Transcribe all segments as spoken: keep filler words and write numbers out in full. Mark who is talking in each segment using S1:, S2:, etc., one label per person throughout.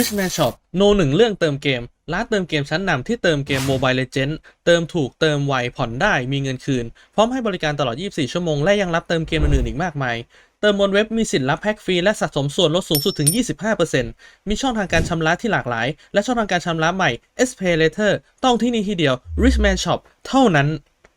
S1: Richman Shop โน หนึ่งเรื่องเติมเกมร้านเติมเกมชั้นนำที่เติมเกม Mobile Legends เติมถูกเติมไวผ่อนได้มีเงินคืนพร้อมให้บริการตลอดยี่สิบสี่ชั่วโมงและยังรับเติมเกมอื่นๆอีกมากมายเติมบนเว็บมีสิทธิ์รับแพ็กฟรีและสะสมส่วนลดสูงสุดถึง ยี่สิบห้าเปอร์เซ็นต์ มีช่องทางการชำระที่หลากหลายและช่องทางการชำระใหม่ เอส Pay Later ต้องที่นี่ที่เดียว Richman Shop เท่านั้น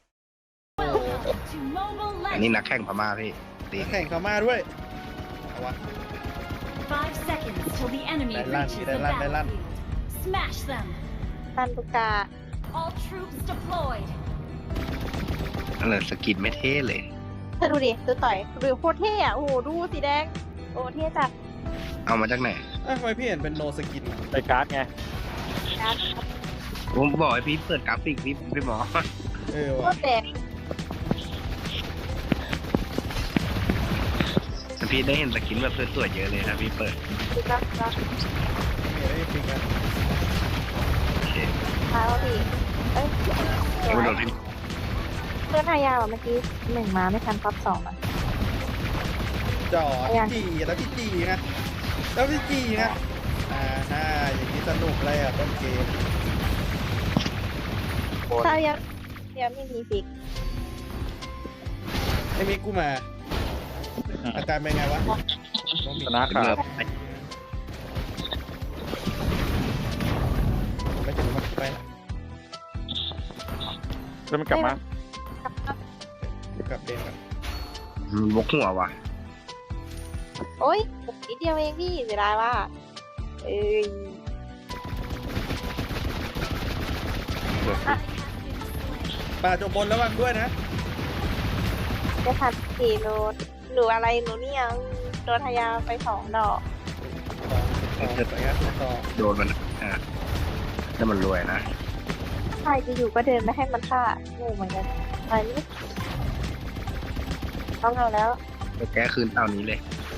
S2: อันนี้นักแข่งพม่าพี่ตี
S3: แข่งเขามาด้วยเอาวะ
S4: Five seconds till the enemy
S3: Đài Loan,
S4: reaches
S3: Đài
S4: the
S3: Loan, Đài Loan.
S4: battlefield. Smash them.
S5: ตันตุกา
S4: All troops deployed.
S2: นั่นแหละสกินไม่เท่เลย
S5: เธอดูดิดูต่อยดูโคตรเท่อะโอ้โหดูสีแดงโอ้เท่จัด
S2: เอามาจากไหน
S3: เอ้ยทำไมพี่เห็นเป็นโนสกิน
S6: ไปการ์ดไง
S5: นะ
S2: ผมบอกให้พี่เปิดกราฟิกพี่พี่หมอ
S3: เออ
S5: โค
S3: ว่ะ
S5: ตรแดง
S2: พี่ได้เห็นสกินแบบสวยๆเยอะเลยนะพี่เปิด
S5: ดูกราฟกราฟ
S3: ไม่ได้จริงกัน
S2: โอเค
S5: มาแล้วพี่เอ้ย
S2: เดี๋ยวโดนพี่
S5: เพื่อนทายาเหรอเมื่อกี้หนึ่งมาไม่ทันปั๊บสองอ่ะ
S3: จ่อจีแล้วพี่จีไงแล้วพี่จีไงอ่าฮ่าอย่างนี้สนุกเลยอ่ะต้นเกม
S5: ทายายังไม่มีฟิก
S3: ไอ้มิกกูมาอาการเป็นไงวะน้องมิ
S6: ช
S3: ก
S6: นะขา
S2: เกือ
S6: ด
S2: บ
S3: ไม่ถึงมันไปละ
S6: แล้วมันกลับมา
S3: กลับเดนกัน
S2: บกหัวว่ะ
S5: โอ้ยนิดเดียวเองพี่เสียดายว่าเอ้ย
S3: ป่าจบบนระวังด้วยนะ
S5: จะทันสี่โลหนูอะไรหนูเนี่ยโดนทายาไปสองดอก
S3: ต่อต่อต่อต่อ
S2: โดนมันอ่ะถ้ามันรวยนะ
S5: ใครจะอยู่ก็เดินไม่ให้มันฆ่าโง่เหมือนกันไปนี่ต้องเอาแล้ว
S2: เดี๋ยวแก้คืนเต่านี้เลย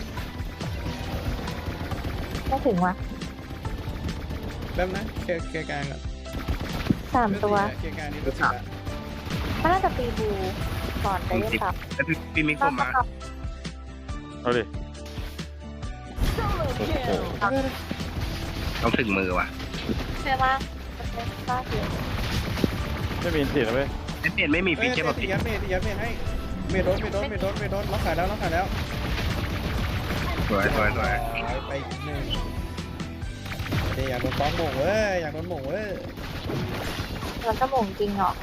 S5: ไม่ถึงวะ
S3: แป๊บนะเคลียร์เคลียร์กลางก่อน
S5: สามตัว
S3: เคลียร์กลางนี่รู้สึกละ
S5: มันน่าจะตีบูก่อนไปเล่นตับ
S2: แล้วพี่พี่มิก
S5: ต้
S2: ผ
S5: อง
S2: ม
S5: ป
S2: มา
S5: ระกอบ
S6: เอาดิ
S2: โอ้โหต้องถึงมือว่ะ
S5: เชื่อว่ามันเป็นบ้าเดียว
S6: ไม่มีสิทธิ์นะเว้ย
S2: ไอ้เปลี่ยนไม่มี
S3: เฮ้
S2: ฟี
S3: ย
S2: เจอร์
S3: เม
S2: แบบ
S3: ย์ตี
S2: พี่
S3: ยัดเมย์ตียัดเมย์ให้เมย์โดนเมย์โดนเมย์โดนเมย์โดนล็อกขายแล้วล็อกขายแล้ว
S2: สวยสวยสวย
S3: ไปอีกหนึ่งเดี๋ยวอยากโดนฟ้องหม่งเว้ยอยากโดนหม่งเว้ย
S5: มันก็หม่งจริงเหรอ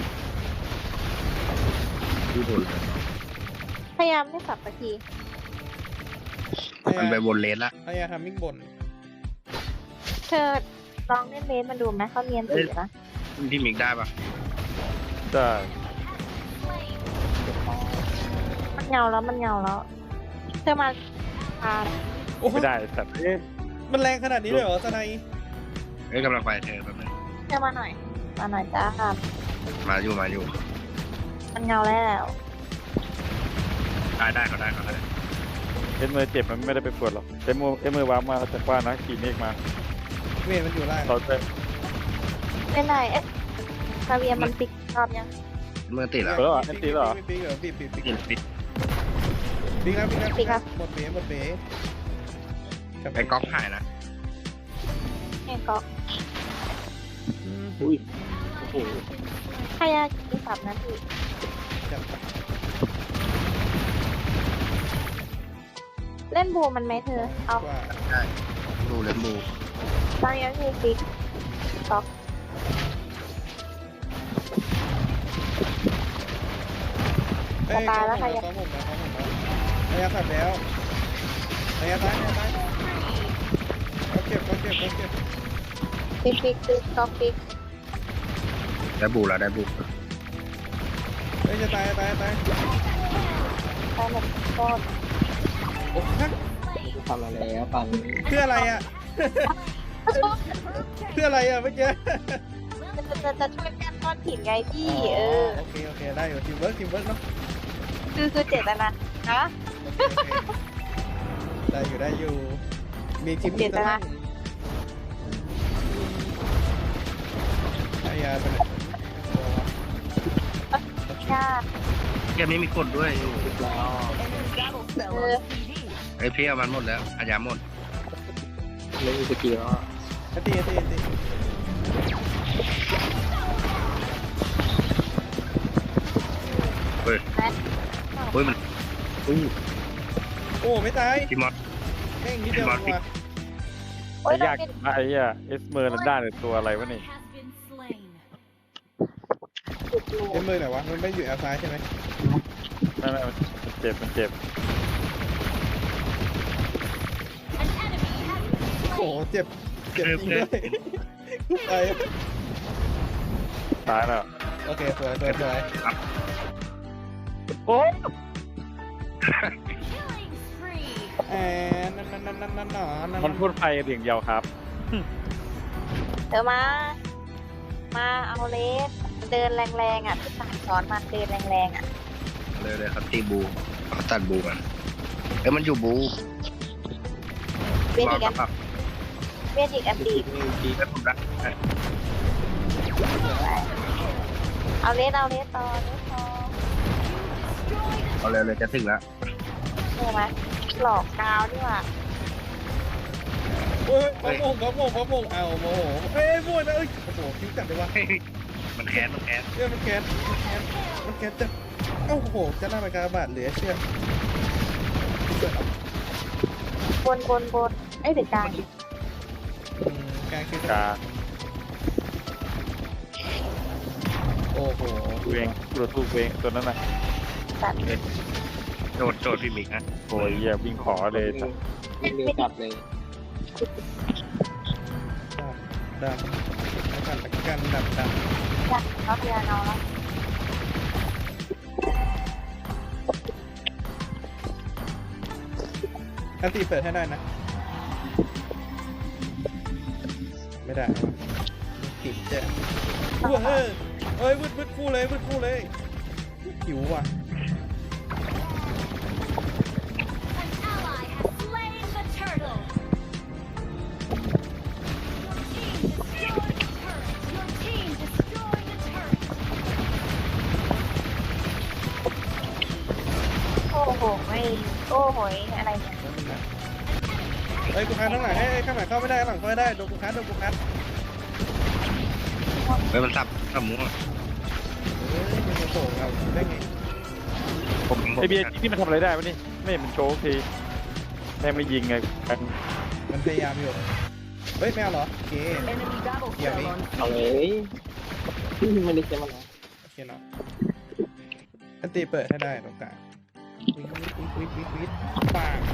S2: ดูโดนเลย
S5: พยายามไม่สับสักที
S2: มันไปวนเลนละ
S3: พยายามทำมิ่งบน
S5: เธอลองเล่นเลนมันดูไหมเขาเนียนสีนะ
S2: พี่มิกได้ปะ
S6: ได้
S5: มันเงาแล้วมันเงาแล้วเธอมาพา
S3: โอ้โห
S6: ไม่ได้สัตว์เอ๊ะ
S3: มันแรงขนาดนี้เลยเหรอสไน
S2: เอ้ยกำลังไปเธอแป๊บนึง
S5: เธอมาหน่อย มาหน่อยจ้าค่ะ
S2: มาอยู่มาอยู่
S5: มันเงาแล้ว
S2: ได้ได้เขาได้เขาได้
S6: เอ็นมือเจ็บมันไม่ได้ไปปวดหรอกเอ็นมือเอ็นมือวางมาจากบ้านนะขี่เมฆมา
S3: เมย์มันอยู่ล่าง
S6: เราจะ
S5: เป็นไรเอ๊ะซาเวียมันปิกรอบยัง
S2: เมื่อติดแล้ว
S3: ปีกปีกเหรอปีกปีกปีก
S2: ปิดปิด
S3: ปีกแล้วปีกแล้วหมดเบ๋หมดเบ๋
S2: ไอ้ก๊อกหายนะ
S5: แง่ก็
S6: อุ้ยโอ้โห
S5: พยายามกินสับนะพี่
S3: จับ
S5: เล่นบูมันไหมเธอ เอา
S3: ว่า
S2: ได้ดูเลนบู
S5: ตอนนี้มีฟิกต็อก
S3: เอ้ยเขาผมแล้วเขาผมแล้วเขาผมแล้วพยายามขับแล้วพยายามตายพยายามตายเขาเก็บเขาเก็บเขาเก็บ
S5: ฟิกฟิกฟิกต็อกฟิก
S2: ได้บูแล้วได้บู
S3: เฮ้ยจะตายตายตาย
S5: ไปหมดโคตร
S3: โอ้ฮะ
S7: ทำมาแล้วปัง
S3: เพื่ออะไรอ่ะเพื่ออะไรอ่ะเมื่อกี้
S5: จะจะจะช่วยแก้ก้อนหินไงพี่ เออ
S3: โอเคโอเคได้อยู่ทีมเวิร์กทีมเวิร์กเนาะ
S5: คือคือเจตนานะ
S3: ได้อยู่ได้อยู่มีทีม
S5: เจตนา
S3: พยายามไป
S5: ยาก
S2: เกมนี้มีกดด้วยอยู่
S5: เออ
S2: ไอ้พี่เอามันหมดแล้วอาญาหมด
S7: เล่นสกีแล้ว
S3: ไอ้ตีไอ้ตีไอ้ตี
S2: เฮ้ย
S5: แม็ก
S2: เฮ้ยมันอุ้ย
S3: โอ้ไม่ตาย
S2: พี่มอส
S3: แม่งนิดเดียว
S2: พี่มอส
S3: ว่ะ
S5: โอ้ย
S6: ยาก
S5: เราเป็น
S6: มากไอ้เหี้ยเอสเมอร์ลันด้าเนี่ยตัวอะไรวะนี่
S4: Has been slain.
S5: จุดรู
S3: เอ็มมือไหนวะมันไม่อยู่แอลซ้ายใช่ไหม
S6: ไม่ไม่มันเจ็บมันเจ็บ
S4: An enemy has been
S3: โอ้โห
S4: slain.
S3: เจ็บเจ็บจริงด้วยไป
S6: ตายแล้ว
S3: โอเคสวยสวยสวย
S6: โอ้
S4: Killing spree.
S3: แอนนั่นนั่นนั่นนั่นนั่นนั่น
S6: มันพูดไปเดียงเดียวครับ
S5: เธอมา มาเอาเลสเดินแรงๆอ่ะที่สั่งสอนมาเดินแรงๆอ่ะ
S2: เลยเลยครับตีบูเขาตัดบูกันเอ้ยมันอยู่บู
S5: เวทอีก
S2: กั
S5: อัน
S2: ปับ
S5: เวทอีกอันดี
S2: เอ้ยผมรัก
S5: เอาเลสเอาเลสต่อเลสต่อ
S2: เอาเลยเลยจะถึงแล้ว
S5: เธอมาหลอกกาวดีกว่า
S3: โอ้ยพระมงพระมงพระมงเอาโมโหเอ้ยมวยนะเอ้ยโอ้โหคิ้วจัดเลยวะ
S2: เฮ้ยมันแค้นมันแค้น
S3: เอ้ยมันแก๊สมันแก๊สมันแก๊สจะโอ้โหจะหน้าไปกาบาดเหลือเชื่อบ
S5: นบนบนไอ้ยเด็กกลาง
S3: อืมกลางคิ้ว
S6: กา
S3: โอ้โห
S6: ตัวเองตัวตู้เองตัวนั้นน่ะ
S5: สัตว์
S2: โจดโจดพี่มิกนะ
S6: โอ้ยเหี้ยวิ่งขอเลย
S7: วิ่งเร็วกลับเลย
S3: ดำแล้วกันแล้วกันดำดำ
S5: อยากเอาเพียโนแล้ว
S3: อันตีเปิดให้ได้นะ ไม่ได้ติดเจ๊ว้าเฮ้ยเอ้ยวืดวืดคู่เลยวืดคู่เลยหิวว่ะ
S4: An ally has slain the turtle. Your team destroyed the turret. Your team destroyed the turret.
S5: โอ้โหไม่โอ้โหยอะไรเนี่ย
S3: เอ้ยกูคันข้างหลังให้ข้างหลังเข้าไม่ได้ข้างหลังเข้าไม่ได้โดนกูคันโดนกูคัน
S2: เฮ้ยมันสับสับหมูอะ
S3: เอ้ยมันจะโผล่เราได้ไง
S2: ผมผม
S6: ไอเบียร์นี่มันทำอะไรได้วะนี่ไม่เห็นมันโชว์ทีแม่งไม่ยิงไงกัน
S3: มันพยายามอยู่เฮ้ยไม่เอาเหรอโอเคเดี๋ยวนี้
S7: เอาเลยไม่ได้เจ็บมันนะ
S3: โอเคเนาะอันตีเปิดให้ได้ตรงกลางวิวิวิวิวิวิปัง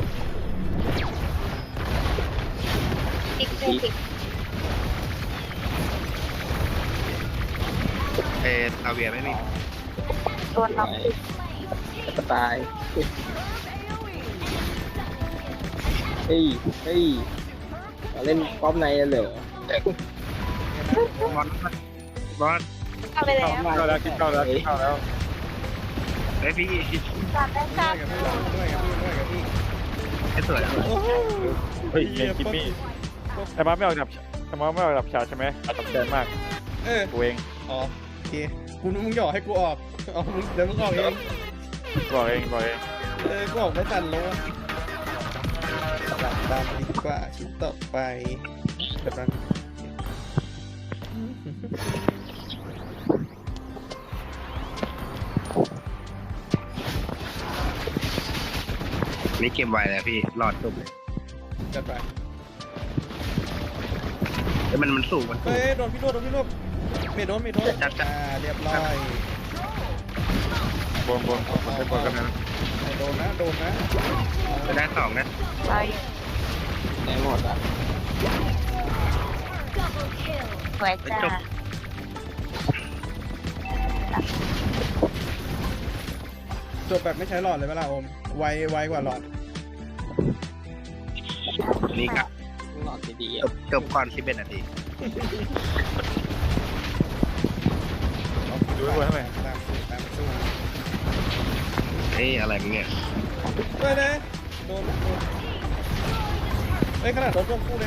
S5: ติ๊กติ๊กติ๊ก
S2: เอออาเวียไม่มี
S5: โดนเราติ๊ก
S7: จะตายเฮ้ยเฮ้ยมาเล่นป้อมในเหรอบ
S2: อลบอล
S5: เข้าไปแล้ว
S6: เข้าแล้วคิดเข้าแล้วคิดเข้าแล้ว
S2: เฮ้ยพี่
S5: จับได้จับ
S3: ด้วยกับพี่ด้วยกับพี่ด้วยกับพี่
S2: ให้สวยแล้ว
S3: โอ้โห
S6: เฮ้ยเกมคิมมี่ไอ้มาไม่ออกดับไอ้มาไม่ออกดับฉากใช่ไหมตัดใจมาก
S3: เออ
S6: ตัวเอง
S3: อ๋อโอเคกูนึกมึงหยอกให้กูออกอ๋อมึงเดี๋ยวมึงออกเอง
S6: บอกเองบอกเอง
S3: เออกูออกไม่ทันแล้วอะดับดำดีกว่าชิ้นต่อไปกำลัง
S2: นี่เกมไวแล้วพี่รอดจบเลย
S3: จัดไป
S2: เฮ้ยมันมันสูงมันสู
S3: เฮ้
S2: ง
S3: ยโดนพี่โดนโดนพี่โดนเมโดนเมโดน
S2: จัดจัด
S3: อ่าเรียบร้อย
S6: บนบนบนบนกันนะ
S3: โดนนะโดนนะ
S2: จะได้สองนะ
S5: ไป
S7: ได้หมดอ่ะ
S4: Double kill.
S5: สวยจ้า
S3: จบแบบไม่ใช้หลอดเลยเวลาอมไวไวกว่าหลอด
S2: นี่ครับ
S7: หลอดดีๆ
S2: จ
S7: อ่ะ
S2: บจบก่อนสิบเอ็ดนาที
S6: ดูไว้ทำไม
S3: ตามสู้ตามสู้
S2: เฮ้ยอะไรมึงเนี่ย
S3: เฮ้ยนะโดนโดนเฮ้ยขนาดโดนร่วมคู่เลย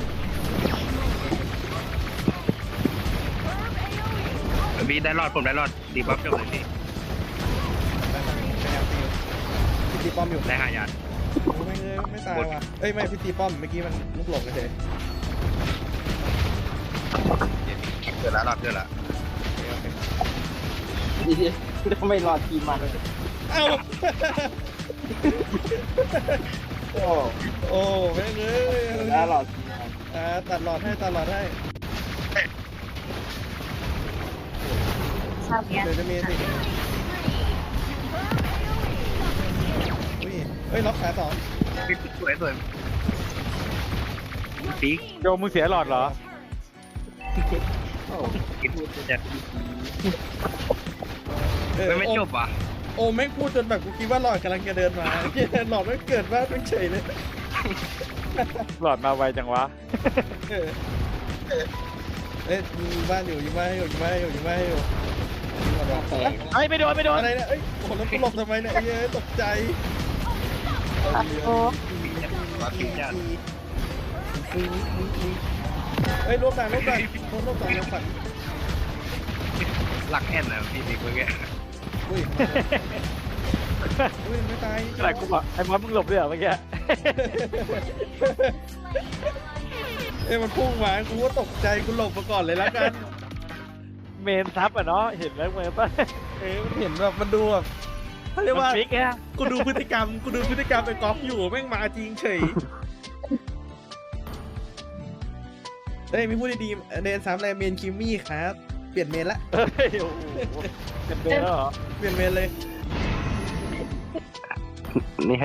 S2: พี่ได้รอดผมได้รอดดีบัฟจบเลยพี่
S3: ได้ไหมพยายามตีพี่ตีป้อมอยู่
S2: ได้ห้ายัน
S3: ไม่เลยไม่ตายว่ะเอ้ยไม่พี่ตีป้อมเมื่อกี้มันลุกหลงเฉย
S2: เกิดแล้วรอดเกิดแล้ว
S7: ดีๆทำไมรอทีมมัน
S3: เอ้า
S7: โอ้
S3: โอ้แม่งเอ้ย
S7: แล้วรอทีมมัน
S3: อ่าตัดหลอดให้ตัดหลอดให้
S5: ชอบเนี้ย
S3: เดี๋ยวจะมีสิอุ้ยเฮ้ยล็อกขาสอง
S2: พี่สวยสวยปีก
S6: โยมมึงเสียหลอดเหรอ
S7: โอ้
S2: กินจะ
S3: เออ
S2: ไม่ไม่
S3: โอ้
S2: จบอ่ะ
S3: โอ้แม่งพูดจนแบบกูคิดว่าหลอดกำลังจะเดินมาเหี้ยหลอดไม่เกิดว่าไม่เฉยเลย
S6: หลอดมาไวจังวะ
S3: เออเอ๊ะยิงบ้านอยู่ยิงบ้านอยู่ยิงบ้านอยู่ยิงบ้านอยู่ยิงก่อนวะ
S7: แตก
S6: เฮ้ยไม่โดนไม่โดน
S3: อะไรเนี่ยเอ้ยโอ้โหแล้วกูหลบทำไมเนี่ยเย้ยตกใจ
S5: โอ้
S2: รอดปีกจัด
S3: เฮ้ยรวบด่านรวบด่านรวบรวบด่านยังฝัน
S2: หลักแอนนะพี่บิ๊กเมื่อกี้
S3: อุ้ยอุ้ยไม่ตาย
S6: อะไรกูบอกไอ้มอสมึงหลบด้วยเหรอเมื่อกี้
S3: เอ้ยมันพุ่งมากูก็ตกใจกูหลบมาก่อนเลยแล้วกัน
S6: เมนซับอ่ะเนาะเห็นแล้วเมนป่ะ
S3: เอ้ยมันเห็นแบบมันดูแบบเขาเรียก
S6: มัน
S3: ว่า
S6: ฟิกแค่
S3: กูดูพฤติกรรมกูดูพฤติกรรมไอ้ก๊อฟอยู่แม่งมาจริงเฉยเฮ้ยมีพูดดีๆเดนสามอะไรเมนคิมมี่ครับเปลี่ยนเมนละ
S6: เฮ้ยโอ้โหเป็นเบนแล้วเหรอ
S3: เปลี่ยนเมนเลย
S2: นี่